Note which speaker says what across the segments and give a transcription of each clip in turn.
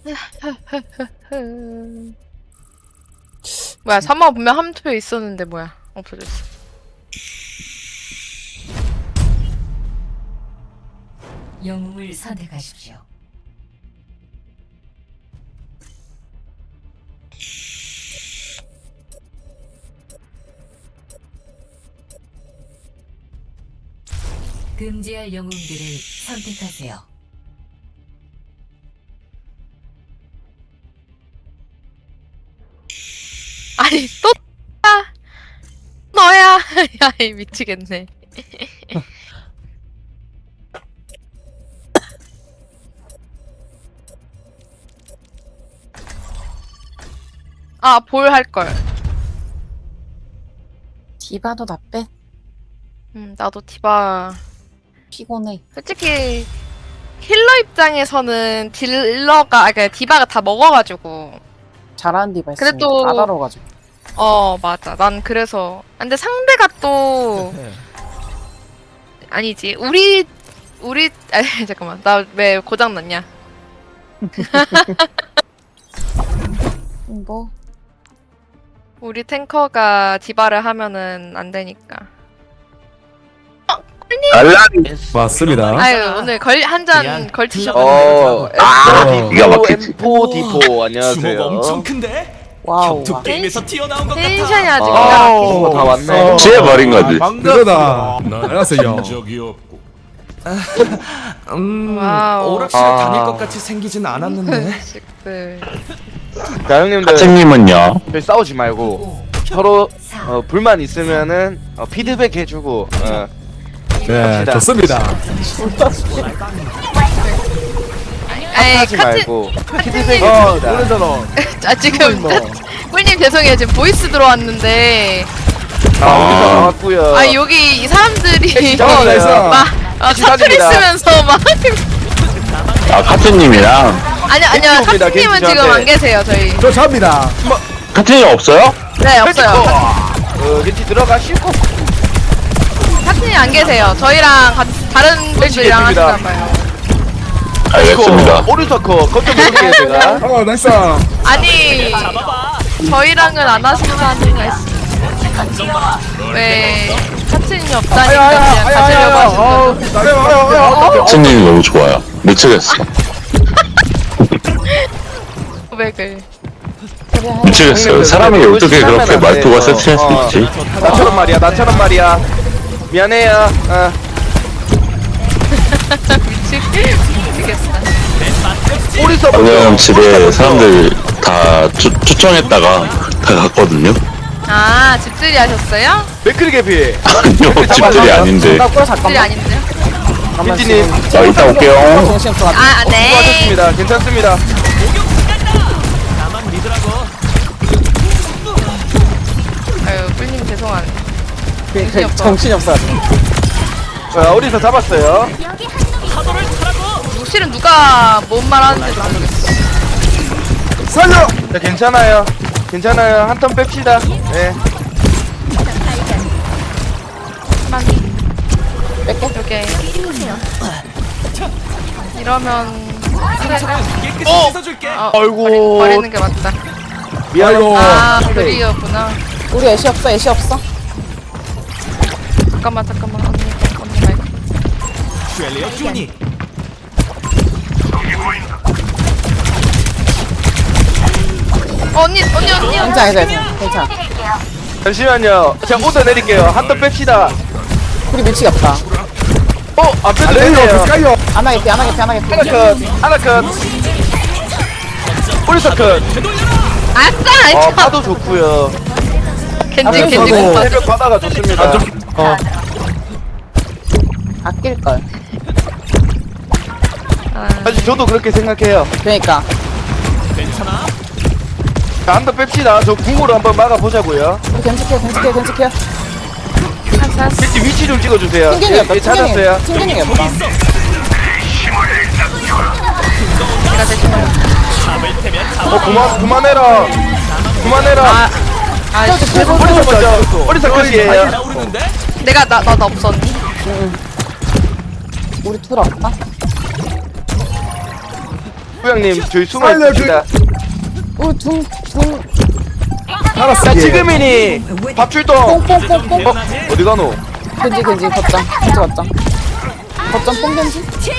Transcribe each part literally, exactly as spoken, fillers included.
Speaker 1: 뭐야, 삼화 분명 한 투표 있었는데 뭐야, 없어졌어.
Speaker 2: 영웅을 선택하십시오. 금지할 영웅들을 선택하세요.
Speaker 1: 아니, 또, 야, 너야. 야, 이 미치겠네. 아, 볼 할걸.
Speaker 3: 디바도 나 빼.
Speaker 1: 음, 나도 디바.
Speaker 3: 피곤해.
Speaker 1: 솔직히, 힐러 입장에서는 딜러가, 아, 그니까 디바가 다 먹어가지고.
Speaker 3: 잘하는 디바 있으면
Speaker 1: 그래도-
Speaker 3: 다 다뤄가지고.
Speaker 1: 어, 맞아. 난 그래서. 근데 상대가 또, 아니지. 우리, 우리, 아, 잠깐만. 나 왜 고장났냐.
Speaker 3: 뭐
Speaker 1: 우리 탱커가 디바를 하면은 안 되니까.
Speaker 4: 알라리
Speaker 5: 맞습니다.
Speaker 1: 아유, 오늘 걸, 한 잔
Speaker 6: 그냥
Speaker 1: 걸치셨거든요.
Speaker 4: 어
Speaker 5: 아,
Speaker 4: 기가 막히지.
Speaker 6: 엠포
Speaker 4: 디포
Speaker 6: 주먹
Speaker 4: 안녕하세요.
Speaker 6: 엄청 큰데?
Speaker 3: 와우.
Speaker 6: 격투 게임에서 튀어나온 것
Speaker 1: 텐션이
Speaker 6: 같아.
Speaker 1: 아주
Speaker 4: 아,
Speaker 1: 기가
Speaker 4: 어, 다 왔네.
Speaker 5: 제
Speaker 4: 말인 거지.
Speaker 5: 그거다. 알았어요.
Speaker 7: 적이 없고
Speaker 6: 음,
Speaker 1: 와우.
Speaker 6: 오락실에
Speaker 4: 아.
Speaker 6: 다닐 것 같이 생기진 않았는데.
Speaker 1: 식들.
Speaker 4: 자 형님들
Speaker 8: 하층님은요?
Speaker 4: 저희 싸우지 말고 서로 어, 불만 있으면은 어, 피드백 해주고 어,
Speaker 5: 네,
Speaker 4: 갑시다.
Speaker 5: 좋습니다.
Speaker 1: 아이,
Speaker 4: 하지
Speaker 1: 카트,
Speaker 4: 말고 피드백
Speaker 5: 어,
Speaker 4: 해줍니다.
Speaker 5: 노래잖아.
Speaker 1: 아, 지금, 꿀님 죄송해요. 지금 보이스 들어왔는데.
Speaker 4: 아 우리도 나왔고요.
Speaker 1: 아, 여기 이 사람들이.
Speaker 4: 어, 나이스.
Speaker 1: 막, 어, 사투리
Speaker 4: 시작입니다.
Speaker 1: 쓰면서 막.
Speaker 8: 아, 카트님이랑.
Speaker 1: 아니, 아니요.
Speaker 4: 겐지 옵니다,
Speaker 1: 카트님은
Speaker 4: 겐지
Speaker 1: 지금
Speaker 4: 저한테.
Speaker 1: 안 계세요, 저희.
Speaker 5: 저 잡니다.
Speaker 8: 카트님 없어요?
Speaker 1: 네, 없어요.
Speaker 4: 어, 겐지 들어가시고
Speaker 1: 카트님 안 계세요. 저희랑 같이 다른 분들이랑
Speaker 4: 겐지입니다.
Speaker 1: 하시나봐요.
Speaker 8: 알겠습니다.
Speaker 4: 오른서커 거점 볼게요 제가.
Speaker 5: 어, 나이스.
Speaker 1: 아니, 저희랑은 안 하시는 거 아닌가 싶 왜 카트님이 없다니까 그냥 가시려고 하시는
Speaker 8: 카트님이 너무 좋아요. 미치겠어.
Speaker 1: 고백을.
Speaker 8: 미치겠어요. 사람이 어떻게 그렇게 말투가 섹시할 수
Speaker 4: 어,
Speaker 8: 있지?
Speaker 4: 나처럼 말이야 나처럼 말이야. 미안해요. 어.
Speaker 1: 미치, 미치겠어.
Speaker 4: 오른서커.
Speaker 8: 오늘 집에 사람들 다 추, 추천했다가 다 갔거든요.
Speaker 1: 아, 집들이 하셨어요?
Speaker 4: 맥크리 개피.
Speaker 8: 아니요, 집들이 아닌데.
Speaker 3: 잠깐만
Speaker 1: 집들이
Speaker 3: 잠깐만.
Speaker 1: 아닌데요?
Speaker 3: 잠깐만.
Speaker 4: 겐지님
Speaker 8: 자, 이따 올게요.
Speaker 3: 정신 없어.
Speaker 1: 아, 아, 네.
Speaker 4: 수고하셨습니다. 괜찮습니다.
Speaker 6: 나만 믿으라고.
Speaker 1: 아유, 꿀님 죄송하네.
Speaker 3: 그, 그,
Speaker 1: 없어.
Speaker 3: 정신이 없어.
Speaker 4: 자, 어디서 잡았어요?
Speaker 1: 실은 누가 뭔 말 하는지 모르겠어.
Speaker 5: 살려.
Speaker 4: 자, 괜찮아요. 괜찮아요. 한 턴 뺍시다. 네.
Speaker 3: 뺄게.
Speaker 1: 이렇게. 이러면. 그래.
Speaker 6: 깨끗이 씻어줄게.
Speaker 1: 어,
Speaker 4: 아이고.
Speaker 1: 버리, 버리는 게 맞다.
Speaker 4: 미안해요.
Speaker 1: 아, 그리였구나.
Speaker 3: 우리 애쉬 없어. 애쉬 없어.
Speaker 1: 잠깐만, 잠깐만. 언니, 언니 말고.
Speaker 6: 쉘리어 주니.
Speaker 1: 어, 언니, 언니, 언니, 언니.
Speaker 3: 괜찮아 괜찮아. 괜찮아.
Speaker 4: 잠시만요. 제가 오더 내릴게요. 한 턴 뺍시다.
Speaker 3: 우리 미치겠다.
Speaker 4: 어, 안 빼도
Speaker 5: 알레요.
Speaker 4: 되네요.
Speaker 5: 가요.
Speaker 3: 안 하겠게 안 하겠게 안 하겠게.
Speaker 4: 하나 컷. 하나 컷. 오른서 컷.
Speaker 1: 아싸!
Speaker 4: 어, 파도 좋고요.
Speaker 1: 겐지, 겐지
Speaker 5: 저도.
Speaker 1: 공파.
Speaker 4: 새벽 바다가 좋습니다.
Speaker 5: 어.
Speaker 3: 아낄 걸.
Speaker 1: 아,
Speaker 4: 사실 저도 그렇게 생각해요.
Speaker 3: 그러니까.
Speaker 6: 괜찮아?
Speaker 4: 자, 한 턴 뺍시다. 저 궁으로 한번 막아보자고요.
Speaker 3: 우리 견직해 견직해 견직해.
Speaker 1: 아싸.
Speaker 4: 겐지 위치 좀 찍어주세요.
Speaker 3: 튕겨내기
Speaker 4: 예,
Speaker 3: 없다.
Speaker 4: 예, 찾았어요.
Speaker 3: 튕겨내기 없다.
Speaker 1: 제가 대신해요.
Speaker 4: 어, 그만, 그만해라. 그만해라.
Speaker 1: 아, 아, 씨.
Speaker 4: 오른서 먼저. 오른서 컷이에요.
Speaker 6: 나오르는데?
Speaker 1: 내가, 나, 나, 나 없었니?
Speaker 3: 우리 둘 없다.
Speaker 4: 부장님 저희 숨어
Speaker 5: 살려줘.
Speaker 4: 있습니다.
Speaker 3: 우둥둥
Speaker 5: 알았어.
Speaker 4: 자
Speaker 5: 예.
Speaker 4: 지금이니 밥 출동.
Speaker 3: 뽕뽕뽕뽕.
Speaker 4: 어 어디 가노?
Speaker 3: 겐지 겐지 거점 겐지 거점 거점 뽕 겐지.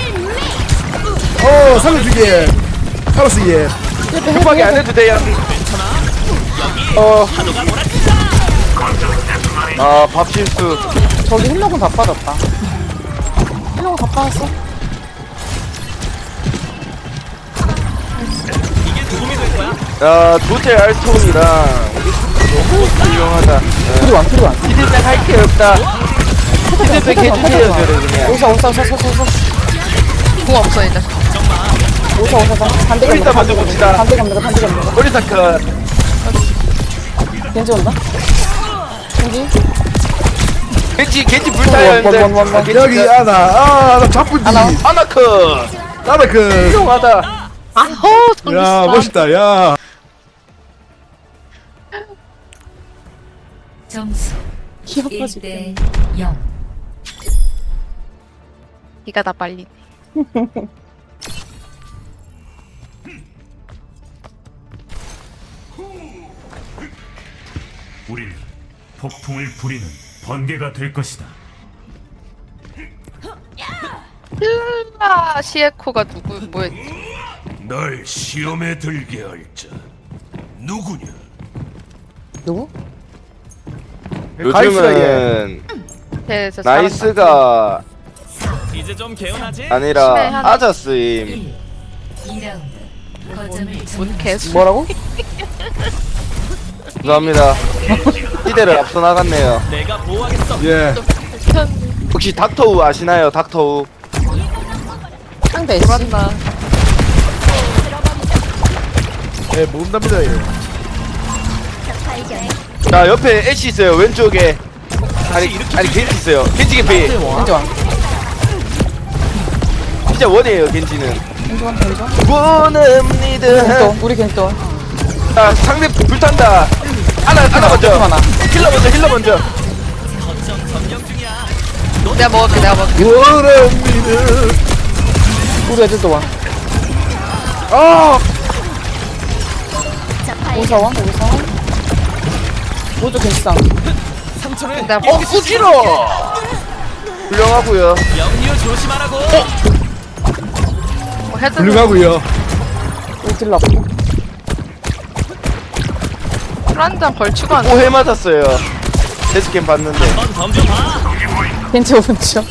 Speaker 5: 어 살려주게. 알았어 예.
Speaker 4: 급하게 안 해도 돼요. 어. 아, 밥 실수.
Speaker 3: 저기 힐러군 다 빠졌다. 힐러군 다 빠졌어.
Speaker 4: 야, 도제 알톤이랑 우리 너무 훌륭하다.
Speaker 3: 둘이 완 둘이 완.
Speaker 4: 피드백 할 게 없다. 피드백 해주세요, 저를 그냥.
Speaker 3: 오사 오사 오사 오사 오사
Speaker 1: 공 없어 이제.
Speaker 3: 오사 오사 오사. 반대
Speaker 4: 일단
Speaker 3: 갑니다.
Speaker 4: 먼저 봅시다.
Speaker 3: 반대 갑니다. 반대 갑니다.
Speaker 4: 오리사 컷.
Speaker 3: 겐지 온다. 겐지.
Speaker 4: 겐지, 겐지 불타요,
Speaker 3: 원, 원, 원, 원,
Speaker 4: 현재.
Speaker 3: 원.
Speaker 5: 여기 아나 아나 자쁘지.
Speaker 3: 하나.
Speaker 4: 아나 컷.
Speaker 5: 나나 그.
Speaker 4: 훌륭하다.
Speaker 1: 아호 정신
Speaker 5: 야 멋있다 야.
Speaker 2: 점수
Speaker 3: 귀여워지.
Speaker 2: 일 대 영.
Speaker 1: 기가 다 빨리.
Speaker 7: 우리는 폭풍을 부리는 번개가 될 것이다.
Speaker 1: 힐라 시에코가 누구 뭐였지?
Speaker 7: 널 시험에 들게 할 자 누구냐?
Speaker 3: 누구?
Speaker 4: 요즘은
Speaker 1: 네, 저
Speaker 4: 나이스가
Speaker 6: 이제 좀 개운하지?
Speaker 4: 아니라
Speaker 1: 심해 하나.
Speaker 4: 아자스임.
Speaker 2: 일. 이 라운드. 거점을
Speaker 1: 뭔
Speaker 2: 점령.
Speaker 1: 개수?
Speaker 3: 뭐라고?
Speaker 4: 죄송합니다. 시대를 앞서 나갔네요.
Speaker 6: 내가 보호하겠어.
Speaker 5: 예.
Speaker 4: 혹시 닥터우 아시나요? 닥터우.
Speaker 3: 상대 애쉬.
Speaker 1: 맞나?
Speaker 5: 예 모른답니다 예.
Speaker 4: 자 옆에 애쉬 있어요. 왼쪽에. 아니 아니 겐지 있어요. 겐지 개피.
Speaker 3: 겐지 왕.
Speaker 4: 진짜 원이에요 겐지는.
Speaker 3: 겐지 왕 겐지 왕.
Speaker 4: 원합니다.
Speaker 3: 겐지 우리 겐지 왕.
Speaker 4: 자 상대 불탄다. 하나 하나 먼저.
Speaker 3: 하나.
Speaker 4: 힐러 먼저 힐러 먼저.
Speaker 1: 내가 먹을게 내가 먹을게.
Speaker 5: 원합니다.
Speaker 3: 우리 애들도 왕.
Speaker 4: 아
Speaker 3: 오사 왕 오사 왕. 모두 겐지 쌍.
Speaker 6: 상처를
Speaker 1: 내가
Speaker 4: 어,
Speaker 1: 먹을게.
Speaker 4: 꾸지러! 훌륭하고요.
Speaker 6: 영유 조심하라고.
Speaker 1: 뭐 헤드.
Speaker 5: 훌륭하고요.
Speaker 3: 우리 딜 없고.
Speaker 1: 술한잔 걸치고 안.
Speaker 4: 오해 맞았어요. 데스캠 봤는데.
Speaker 6: 한번 덤벼봐.
Speaker 3: 겐지 오른쪽.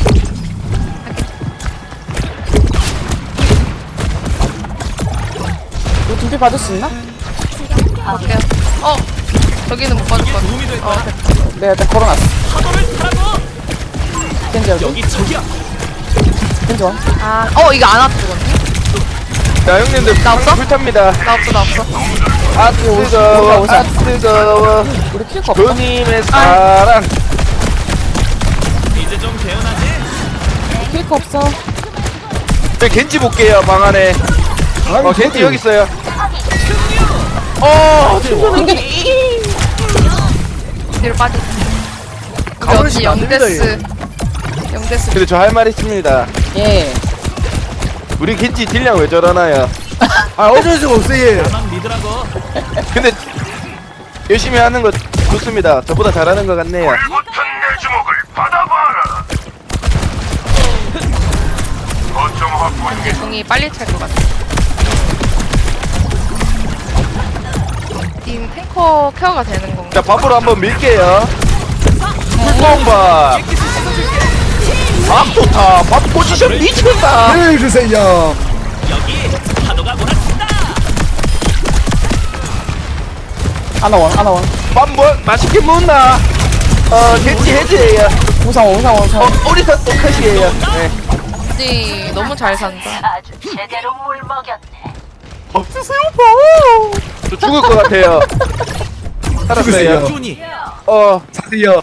Speaker 3: 우리 준비 받을 수 있나?
Speaker 1: 볼게요. 어 저기는 못 받을 것 같아.
Speaker 6: 도움이 될 거야.
Speaker 3: 내가 일단 걸어놨어.
Speaker 6: 파도를 타라고.
Speaker 3: 겐지 여기.
Speaker 6: 여기 저기야.
Speaker 3: 겐지 왕.
Speaker 1: 아, 어 이거 안 왔어 죽었네.
Speaker 4: 자 형님들
Speaker 1: 나 없어?
Speaker 4: 불탑니다.
Speaker 1: 나 없어 나 없어.
Speaker 4: 아 뜨거워
Speaker 3: 오사, 오사.
Speaker 4: 아 뜨거워
Speaker 3: 우리 킬거 없다.
Speaker 4: 교님의 사랑.
Speaker 6: 이제 좀 개운하지?
Speaker 3: 킬거 없어.
Speaker 4: 저 겐지 볼게요 방 안에. 어 겐지 여기 있어요. 어
Speaker 1: 뒤로 빠져. 우리
Speaker 5: 가버리시면
Speaker 1: 어찌
Speaker 5: 안 됩니다,
Speaker 1: 영데스. 영데스.
Speaker 4: 근데 저 할 말 있습니다.
Speaker 3: 예.
Speaker 4: 우리 겐지 딜량 왜 저러나요?
Speaker 5: 아 어쩔 수가 없어 예.
Speaker 6: 나만 믿으라고.
Speaker 4: 근데 열심히 하는 거 좋습니다. 저보다 잘하는 것 같네요.
Speaker 1: 이제 공이 빨리 찰 것 같아. 이 탱커 케어가 되는 건가?
Speaker 4: 자 밥으로 한번 밀게요. 풀공밥. 밥 좋다. 밥 포지션 미쳤다.
Speaker 5: 해주세요.
Speaker 6: 여기 파도가 몰아친다.
Speaker 3: 하나 왕 하나 왕.
Speaker 4: 밥 뭐 맛있게 먹나? 어 겐지 해제예요.
Speaker 3: 우상 왕 우상 왕 우상
Speaker 4: 어
Speaker 3: 왕.
Speaker 4: 오리사 똑같이에요. 네.
Speaker 1: 겐지 너무 잘 산다.
Speaker 4: 밥 드세요 밥. 저 죽을 것 같아요. 살았어요.
Speaker 5: 죽으세요.
Speaker 6: 준이.
Speaker 4: 어
Speaker 5: 사세요.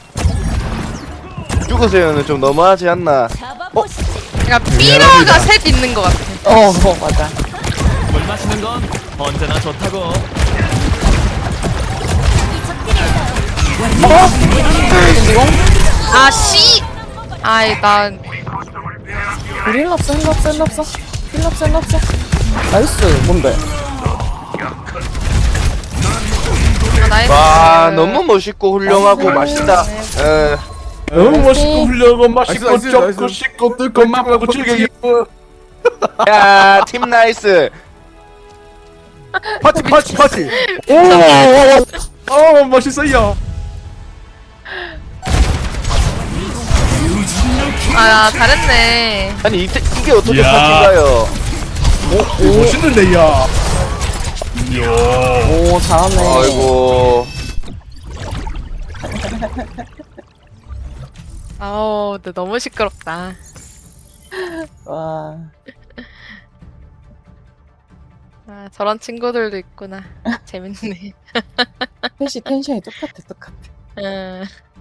Speaker 4: 죽으세요는 좀 너무하지 않나?
Speaker 1: 그러니까 삐러가 셋 있는 것 같아.
Speaker 3: 어, 어 맞아.
Speaker 6: 물 마시는 건 언제나 좋다고.
Speaker 3: 겐지공.
Speaker 1: 아 씨. 아이 난
Speaker 3: 우리 힐 없어 힐 없어 힐 없어. 힐럽스 힐럽스 나이스 뭔데
Speaker 1: 아, 나이스.
Speaker 4: 와 너무 멋있고 훌륭하고 맛있다. 에,
Speaker 5: 너무 멋있고 훌륭하고 맛있고 나이스, 나이스, 좁고 나이스. 씻고 뜯고 맛보고 즐기고
Speaker 4: 야, 팀 나이스.
Speaker 5: 파티 파티 파티 오오 멋있어요.
Speaker 1: 아, 잘했네.
Speaker 4: 아니 이, 이게 어떻게
Speaker 7: 야.
Speaker 4: 파티가요?
Speaker 5: 오 멋있는데 야.
Speaker 3: 오 잘하네
Speaker 4: 아이고.
Speaker 1: 아우, 근데 너무 시끄럽다.
Speaker 3: 와
Speaker 1: 아, 저런 친구들도 있구나. 재밌네.
Speaker 3: 셋이 텐션이 똑같아 똑같아
Speaker 1: 응.